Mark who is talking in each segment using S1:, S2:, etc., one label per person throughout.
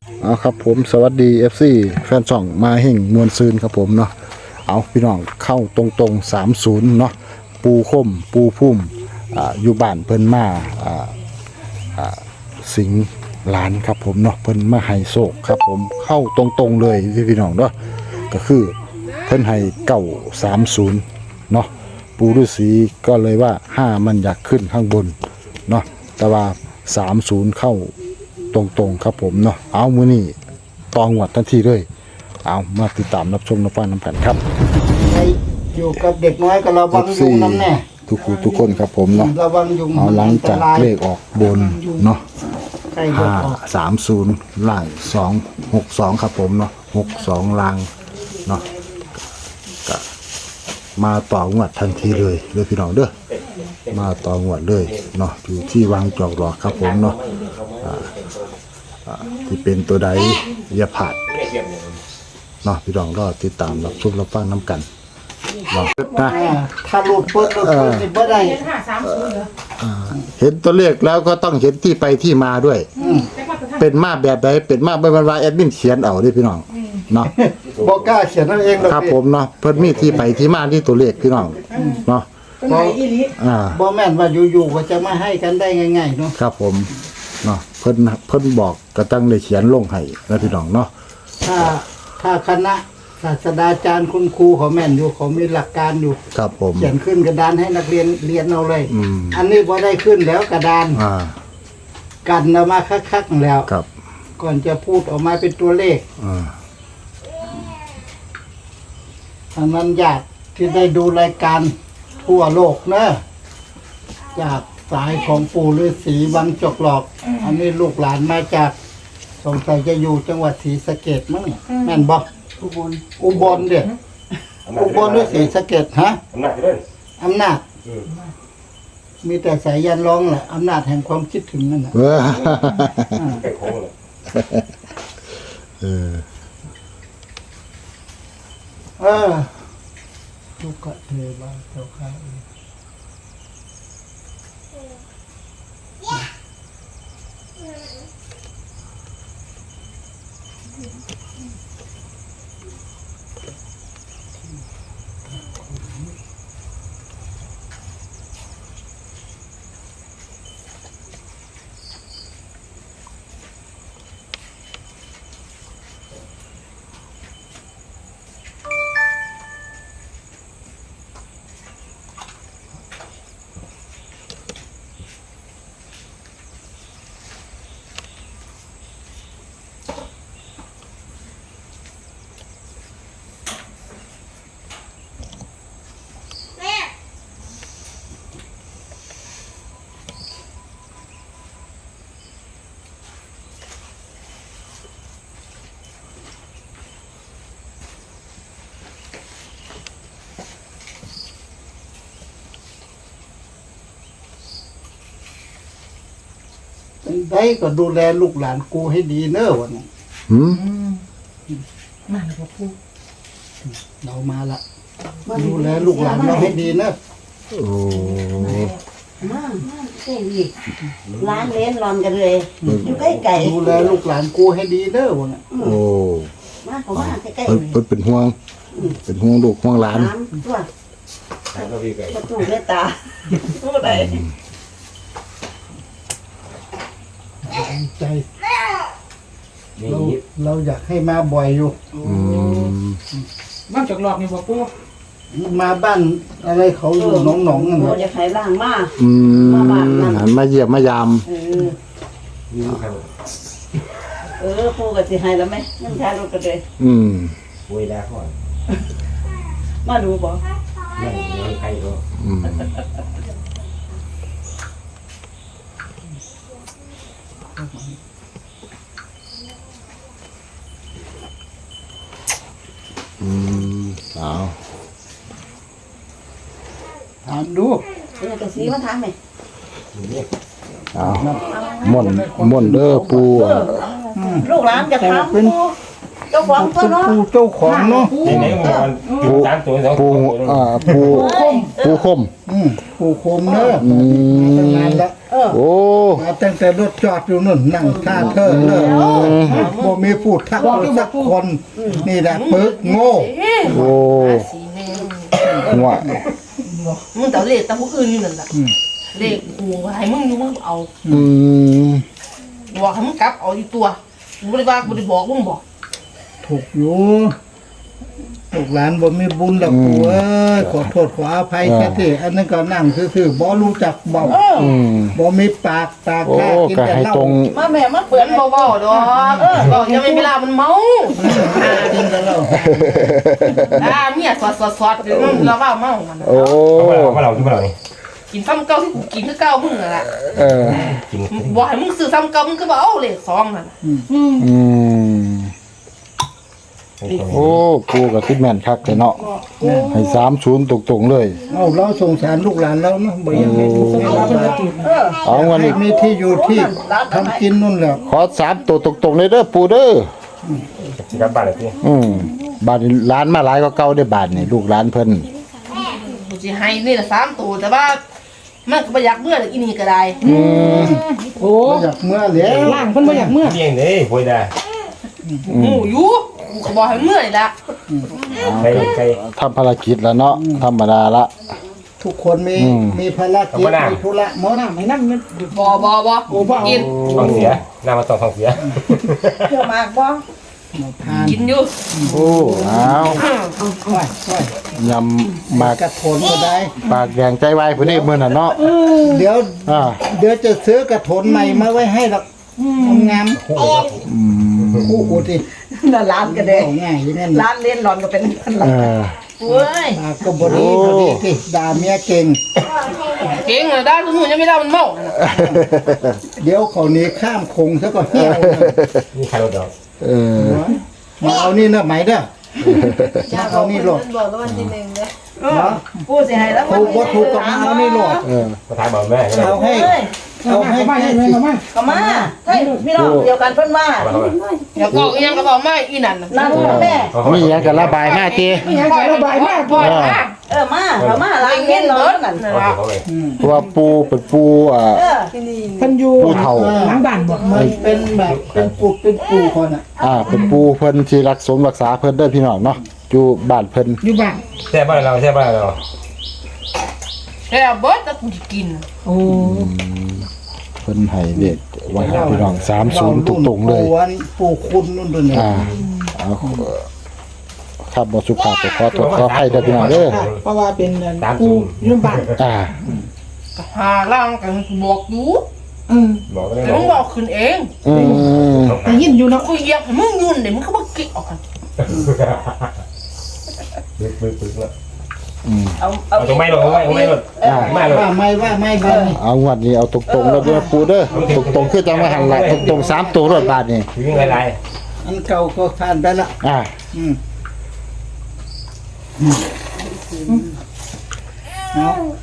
S1: เอาครับผมสวัสดี FC แฟนช่องมาเฮ่งมวลซืนครับผมเนาะเอาพี่น้องเข้าตรงๆ30เนาะปูคมปูพุ่มอยู่บ้านเพิ่นมาสิงหลานครับผมเนาะเพิ่นมาให้โศกครับผมเข้าตรงๆเลยพี่น้องเนาะก็คือเพิ่นให้930เนาะปูฤาษีก็เลยว่า5มันอยากขึ้นข้างบนเนาะแต่ว่า30เข้าตรงๆครับผมเนาะเอามื้อนี้ตองวดทันทีเลยเอามาติดตามรับชมรับฟังน้ำกันครับ
S2: ใครอยู่กับเด็กน้อยก็ระวังยุงน้ำแน่
S1: ทุกคนครับผมเนาะ
S2: ระวังยุง
S1: เอาหลังจากเลขออกบนเนาะ
S2: ใครจะออก
S1: 530ล่าง262ครับผมเนาะ62ล่างเนาะก็มาต่องวดทันทีเลยพี่น้องเด้อมาต่องวดเลยเนาะอยู่ที่วางจอกหลอกครับผมเนาะที่เป็นตัวใดอย่าผาดเนาะพี่น้องรอติดตามรับชมรับฟังน้ำกันเนาะนะ
S2: ถ้าหลุดเปิดนี่บ่ได้
S1: เห็นตัวเลขแล้วก็ต้องเห็นที่ไปที่มาด้วยเป็นมาแบบใดเป็นมาเป็นว่าแอดมินเขียนเอาดิพี่น้องเนาะ
S2: บ่กล้าเขียนนั่นเองหรอก
S1: ครับผมเนาะเพิ่นมีที่ไปที่มาที่ตัวเลขพี่น้องเนาะ
S2: บ่แม่นว่าอยู่ๆก็จะมาให้กันได้ง่ายๆเนาะ
S1: ครับผมเนาะเพิ่นบอกก็ตั้งได้เขียนลงให้นะพี่น้องเนาะ
S2: ถ้าคณะศาสตราจารย์คุณครูเขาแม่นอยู่เขามีหลักการอยู่
S1: ครับผม
S2: เขียนขึ้นกระดานให้นักเรียนเรียนเอาเลย
S1: อืม
S2: อันนี้บ่ได้ขึ้นแล้วกระดาน กันเอามาคักๆแล้ว
S1: ครับ
S2: ก่อนจะพูดออกมาเป็นตัวเลข อันนั้นญาติที่ได้ดูรายการทั่วโลกเนอะจากสายของปู่ฤาษีวังจกหลอก อันนี้ลูกหลานมาจากสงสัยจะอยู่จังหวัดศรีสะเกษมั้งเนี่ยแม่นบอกอุบลเด็อุบลหรือศรีสะเกษฮะอำนาจมีแต่สายยันร้องแหละอำนาจแห่งความคิดถึงนั่นแหละ ลูกกะเทวาเจ้าข้าได้ก็ดูแลลูกหลานกูให้ดีเนอะวันนี้
S3: มาแล้วพูด
S2: เรามาละดูแลลูกหลานเราให้ดีเนอะ
S1: โอ้
S3: มาเก่งอีกร้านเล่นรอนกันเลยอยู่ใกล้ไก่
S2: ดูแลลูกหลานกูให้ดีเนอะวันนี้
S1: โอ้
S3: มาเขามาใกล้
S1: เพิ่นเป็นห่วงลูกห่วงหลาน
S3: น้ำตัวประตูเมตตาพูดอะไร
S2: ใจเราอยากให้มาบ่อยอยู่
S4: บ้านจอกหลอกนี่บ่ปู
S2: มาบ้านอะไรเขาอยู่หนองๆนั่น
S3: เรา
S2: แหละ
S3: จะขายล่างมา
S1: หันมาเยี่ยมมายาม
S3: ปูกับสิให้แล้วไหมนั่งทานรถกันเลย
S5: คุยแล้วก่อน
S3: มาดูบ่
S5: นั่งยังใครก็
S1: เอา
S2: ถามดู
S3: เป็นกระสีมาทานไหม
S1: เอาม่อนเด้อปู
S3: ลูกหลานจะทำปูเจ้าของก็เนาะ
S2: ปูเจ้าของเนาะ
S5: ที่ไหนมันก่อนอยู่สามตัวสอง
S1: ปู
S5: ตัว
S1: ปูคม
S2: ปูโคมเนอะตั้งนานละ
S1: โอ้
S2: มาตั้งแต่รถจอดอยู่นู่นนั่งท่าเธอเลยบ่มีพูดทักคนสักคน นี่แหละปึกโง่
S1: โอ้
S6: สีแดง
S1: หัว
S6: มึงแต่เลขแต่ผู้อื่นอยู่นั่นแหละเลขกูให้มึงอยู่มึงเอา
S1: อืม
S6: บอกให้มึงกลับเอาอีตัวกูไม่ได้ว่ากูได้บอกมึงบอก
S2: ถูกอยู่ลูกหลานบ่มีบุญแล้วกูเอ้ยขอโทษขออภัยแค่ที่อันนั้นก็นั่งซื่อๆบ่รู้จักเบา
S1: อืม
S2: บ่มีปาก
S1: โอ้
S2: แค่กิน
S1: ก็
S2: แต่
S1: ให้
S2: เหล้า
S1: ตรง
S3: มาแม่มา
S6: เปื่อนเบาๆดอกบอกยังไม่เวลามันเมา
S2: กินแต่เหล้า
S6: เมียสอดเดี๋ยวเราว่าเมามัน
S1: โอ้
S5: เอาเราที่มาเรานี่
S6: กินซ้ำเก่าที่กูกินคือเก่ามึงนั่นแหละ
S1: เออ
S5: กิน
S6: บอกให้มึงซื้อซ้ำเก่ามึงก็บอกเอาเลขสองนั่น
S1: อืมโอ้ปูกับทิดแม่นคักแต่เนาะให้30ตรงๆเลย
S2: เอาเราสงสารลูกหลานเราเนาะบ่อยังให้ลูกให้หลานเรา
S1: เอาวัน
S2: ให้
S1: นี้
S2: มีที่อยู่ที่ทำกินนู่นแหละ
S1: ขอ3ตัวตรงๆเลยเด้อปูเด้อ
S5: สิกลับบ้านเลยพี่
S1: บาทนี้ร้านมาหลายก็เก่าได้บาทนี่ลูกร้านเพิ่น
S6: กูจะให้นี่ละ3ตัวแต่ว่ามันก็บ่อยากเมื่ออีนี่ก็ได้
S4: โอ้
S2: บ่อยากเมื่อแล้ว
S4: ล่างเพิ่นบ่อยากเมื่อ
S5: เลี้ยงเลยป่วยได้
S6: หมูอยู่กูก็บอกให้เมื่อนี่ละ
S5: ใครใคร
S1: ทำภารกิจแล้วเนาะธรรมดาละ
S2: ทุกคนมีภารกิจมีธุระหมด
S4: น้ำให้น้ำมัน
S6: บ่กิน
S5: ท้องเสียหน้ามาต้องท้องเสีย
S3: เที่ยวมากบ่
S2: ทาน
S6: กินอยู่
S1: โอ้อ้าว
S2: ค่อย
S1: ยำหมาก
S2: กระโถนก็ได้
S1: ปากแดงใจวายพุ่นนี่มื้อน่ะเนาะ
S2: เดี๋ยว
S1: อ่า
S2: เดี๋ยวจะซื้อกระโถนใหม่มาไว้ให้หรอกงามๆคู่กูที่
S3: น่ะร้านก็ได้
S2: เอาง่ายอย่างนั้น
S3: ร้านเล่นหลอนก็เป็นกัน
S1: เออ
S6: เว้ย
S2: ปากก็บ่ดีพอดีที่ด่าเมียเก่ง
S6: เก่งเลยได้ทุกมื้อยังไม่ได้มันเมานั่นน่ะ
S2: เดี๋ยวเขาหนี้ข้ามคงซะก็เหี่ยว
S5: นี่ใครรถดอก
S1: เออ
S2: มาเอานี่นะไหมเด้อมาเอานี่โหลด
S6: บอกแล้ววันที่1เด้อ
S2: เนาะ
S3: ผู้สิให้แล้ว
S2: ถูกบ่ถูกก็มาเอานี่โหลด
S1: เออ
S5: มาทายบอกแม่
S2: เอาให้เอาให้
S4: มา
S2: แค่
S4: ให้
S2: สิ
S4: มา
S3: ก็มาใช่พี่น้องเดียวกันเพิ่นว่า
S6: แล้วก็อีหยังก็บอกมาอีนั่นน่ะ
S3: นั่นแม่
S1: มีหยังก็ระบายมาติ
S4: ไม่อยากจะระบายมาก
S6: พ่อนะ
S3: มาเขามาร้านเล่นหลอนนั่น
S6: นั่น
S5: เขา
S6: ล่ะ
S5: เขาเลย
S1: เพราะว่าปูเป็นปูอ่า
S3: ที่นี่
S4: เพิ่นอยู่
S1: ผู้เฒ่า
S4: หลังบ้านบ่
S2: มันเป็นแบบเป็นปูคนอ่ะ
S1: เป็นปูเพิ่นที่รักสมรักษาเพิ่นเด้อพี่น้องเนาะอยู่บ้านเพิ่น
S4: อยู่บ้าน
S5: แช่บ้านเราแช่บ้านเรา
S6: แค่เบิดแล้วกูสิกิน
S4: โอ้
S1: เพิ่นให้เด็กไว้ให้พี่น้อง30ตรงๆเลย
S2: ปูคุณนู่นด้วยเนี่ย
S1: เอาครับบ่สุภาพก็ขอโทษขออภัยเด้อพี่น้องเด้อ
S4: เพราะว่าเป็นกูอยู่บ้าน
S6: ก็หาล่างกันบอกอยู่
S5: บอกก็ได้
S6: แต่
S5: บอ
S6: มึ
S5: ก
S6: งบอกขึ้นเอง
S4: ได้ยินอยู่เนาะ
S6: กูเหยียบให้มึงยุ่นเดี๋ยวมึงก็มากิ๊กออกกัน
S5: ปึ๊กแล้ว
S3: เอา
S5: เอาตรงไม้รถเอาไม้รถไม่รถ
S2: ว่าไม่บ้า
S1: เอางวดนี้เอาตรงๆแล้วเด้อปูเด้อตรงๆคือจังว่าหันหลังตรงๆ3ตัวรถบาทนี่
S5: ถึงไร
S2: อันเก่าก็ผ่านไปละอืมเอา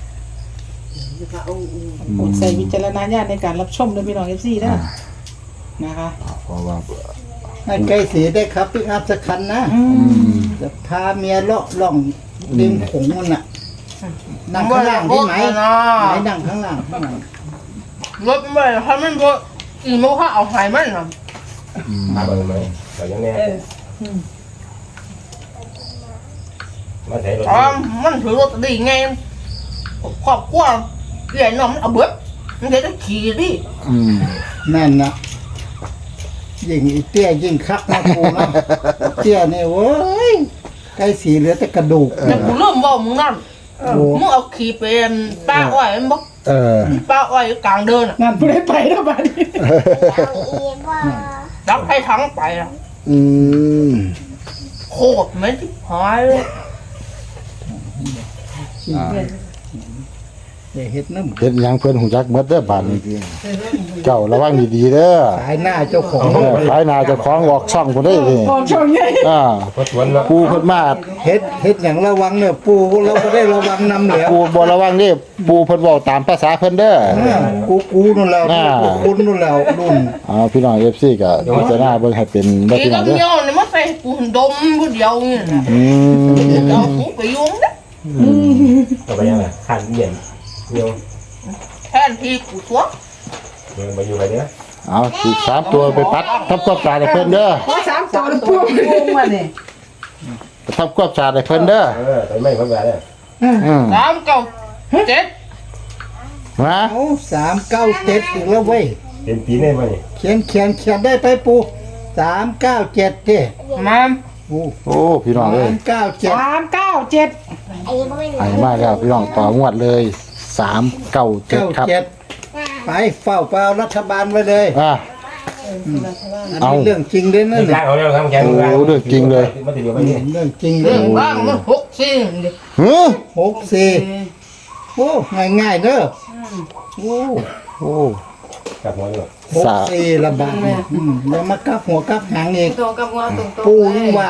S4: กดใส่วิจารณญาณในการรับชมด้วยพี่น้อง FC เด้อนะคะ
S1: เพราะว่า
S2: ให้ไก่สีได้ครับปิกอัพสักคันนะจะพาเมียเลาะล่องริมขงมันน่ะนั่งข้างล่างที่ไหนนั่งข้างล่าง
S6: รถไม่ถ้ามันรถอีโมเขาเอาหายมันนะ
S5: มาเบอร์ไหมเรายังแน่มาใช้รถ
S6: อ๋อมันถือรถดีไงครอบครัวใหญ่น้องมันเอาเบิดมันจะขี่ดิ
S2: นั่นนะยิ่งอีเตี้ยยิ่งคักนะกูนะเตี้ยเนี่ยเว้ยไก่สีเหลือแต่กระดูก
S6: แต่กูเริ่มบอกมึงนั่น
S2: โอ้
S6: มึงเอาขี่เป็นป้าอ้อยมันบอก ป้าอ้อยอยู่กลางเดินอ่ะ
S4: นั่นผู้ใดไปแล้วบ้านนี้
S6: รับให้ทั้งไปอ่ะโคตรเหม็นที่หายเลย
S2: อย่าเฮ็ดน้ำ
S1: เฮ็ดหยังเพิ่นหูจักหมดเด้อบาดนี้เจ้าระวังดีๆเด้อ
S2: สายหน้าเจ้าของ
S1: ขายหน้าเจ้าของออกช่องพุ่นเด้อนี่
S4: ออกช่องใหญ่
S5: รถสวนแล้ว
S1: ปูเพิ่นมา
S2: เฮ็ดอย่างระวังเนี่ยปูเราก็ได้ระวังนำแล้ว
S1: ปูบ่ระวังเด้ปูเพิ่นเว้าตามภาษาเพิ่นเด้อ
S2: กูนู่นแล้วกูคุณนู่นแล้วรุ่น
S1: พี่น้อง FC ก็พิจารณาเบิ่งให้เป็นเด้อ
S6: ขี่
S1: พี่น้
S6: กั
S1: อบ งเด้อ
S6: เงี้ยวเนี่ยมาใส่กูดมผู้เดียวเนี่ยนะเอาหูไปยุ่งนะ
S5: ต่อไปยังไงขันเย็นเดียว
S6: แทนที่กูตัว
S5: เดินมาอยู่ไปเนี้ย
S1: เอาอีก3ตัวไปปัดทำความสะอาดให้เพิ่นเด้อ
S4: โอ้สามตัวแล้วปูงงมาเนี่ย
S1: ไปทำความสะอาดให้เพิ่นเด้อ
S5: ไปไม่เพิ่มแบบเนี่ย
S1: อืม
S6: 3 9 7
S1: มา
S2: เอา397อีกแล้วเว้ย
S5: เป็นปีนี่มานี่
S2: เขียนได้ไปปู397เด้
S6: มา
S2: โอ้
S1: โอ้พี่น้องเอ้ย
S2: 397
S4: 397
S1: ให้มาแล้วพี่น้องต่องวดเลย397ครับ
S2: 97ไปเฝ้าเปล่ารัฐบาลไว้เลย
S1: อ่ะ
S2: อัน
S1: เอา
S2: นี้เรื่องจริงเลยนะ
S5: นี่
S2: เนี่ย
S5: ล้างเอาแล้วครับแก
S1: โอ้เรื่องจริงเลย
S5: มาติดอยู่ไปนี่
S2: เรื่องจริงเล
S6: เรื่อย งบ้างมัน6 4ดิ
S1: หือ
S2: 64โอ้ง่ายๆเด้อโอ้
S1: โอ้
S5: กับหัวอยู่
S2: 64ละบาทเนี่ยแล้วมากลับหัวกลับหางอีก
S6: ตรงกับว่าตรง
S2: ปูยังว่า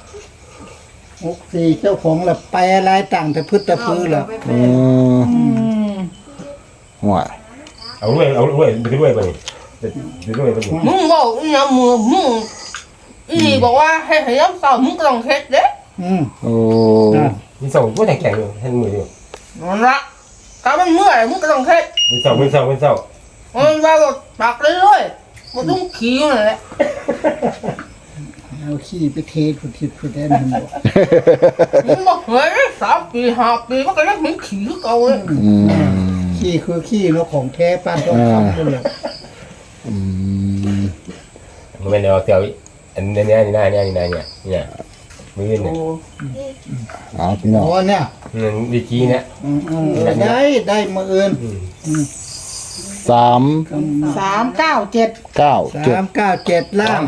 S2: 64เจ้าของละไปอะไรต่างแต่พืชแต่พื้นละ
S1: อืมห่วย
S5: เอาด้วยไปด้วยไปนี่ไปด้วยไปนี่
S6: มึงบอกอีหยังมึงอีบอกว่าให้ยามเช้ามึงก็ต้องเฮ็ดเด้
S1: โอ้
S5: มีส่งก็แข็งอยู่ให้มืออยู่
S6: นั่นละถ้ามันเมื่อยมึงก็ต้องเฮ็ด
S5: มีส่งมีส่งมีส่ง
S6: มันว่าก็ตักเรื่อยๆบ่ต้องขี้อยู่นั่นแหละ
S2: เอาขี้ไปเทขุดทิศขุดแดนมันบอก
S6: มึงบอกเฮ้ย3 ปี5 ปีมันก็ยังมีขี้คือเก่าเลย
S1: อืม
S2: ขี้คือขี้เนาะของแท้ป้านต้องทำเลย
S1: อืม
S5: มันเป็นเดี๋ยวเตียวอันนี้เนี่ยมือเนี่ย
S1: เอาพี่น้อง
S2: อ๋อเนี่ย
S5: วิกี้เนี่ย
S2: ได้มาเอิน
S1: 3
S4: 397
S1: 9
S2: 397ล่าง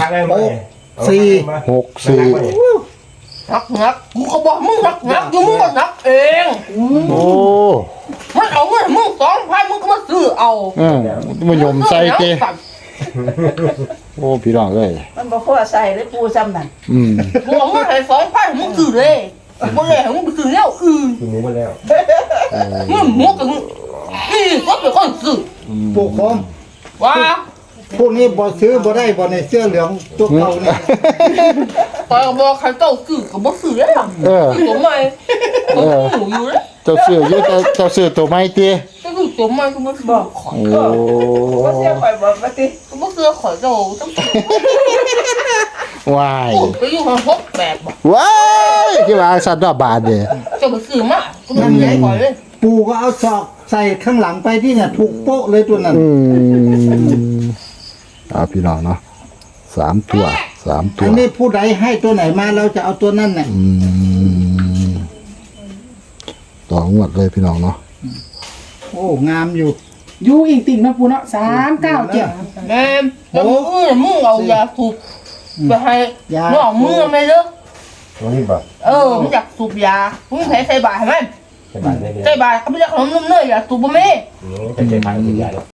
S6: นักกูก็บอกมึงนักอยู่มึงก็นักเอง
S1: 6 4โอ้
S6: มันเอาเงินมึง2,000มึงก็มาซื้อเอา
S1: มันยมใส่เจโอ้พี่น้องเอ้ย
S3: มันบ่พอใส่เลยปูซ้ำนั่น
S1: อืม
S6: มึงเอาเงินให้2,000มึงซื้อเลยบ่เลยให้มึงไปซื้อแนวอื่น
S5: คือหมูมาแล้ว
S6: มึงก็ก็เป็นคนซื้อ
S2: ปลูกคม
S6: ว่า
S2: พวกนี้บ่ซื้อบ่ได้บ่ในเสื้อเหลืองตัวเก่าเนี่ย
S6: ตอนบอกใครเจ้าซื้อก็บ่ซื้อแล้ว
S1: เออ
S6: ตัวใหม่ตัวอยู่เลย
S1: เจ้าซื้ออยู่เจ้าซื้อตัวใหม่ติ
S6: ก็คือตัวใหม่ก็บ่ซื้อขอย
S1: โอ้
S3: บ่เสียข่อยบ่ว่าติ
S6: ก็บ่ซื้อขอยเจ้าต้อง
S1: วาย
S6: ไปอยู่ห้องพบแบบบ่
S1: ว้ายที่ว่าสัตว์บาทเด้
S6: เจ้าบ่ซื้อมาก็บ่ได้ขอยเลย
S2: ปูก็เอาศอกใส่ข้างหลังไปที่เนี่ยถูกโป๊ะเลยตัวนั้น
S1: พี่น้องเนาะ3 ตัว 3 ตั
S2: อั
S1: วน
S2: นี้ผู้ใดให้ตัวไหนมาเราจะเอาตัวนั้นน่ะ
S1: ต่องวดเลยพี่น้องเนาะ
S2: โอ้งามอยู่
S4: อยู่อีกติ่งนะปูเนาะ397
S6: แม่แล้วมึงเอายาสูบไปให้น้องมึงไม่เด้อ
S5: ตรงนี้ป่ะ
S6: มึงอยากสูบยามึงใส่บาตรให้มัน
S5: ใช่บ้านนี่
S6: ใส่บาตรก็ไม่ได้ขนมนมเนยอยากสูบบ่แม่
S5: จะใช้ทางสุดยอด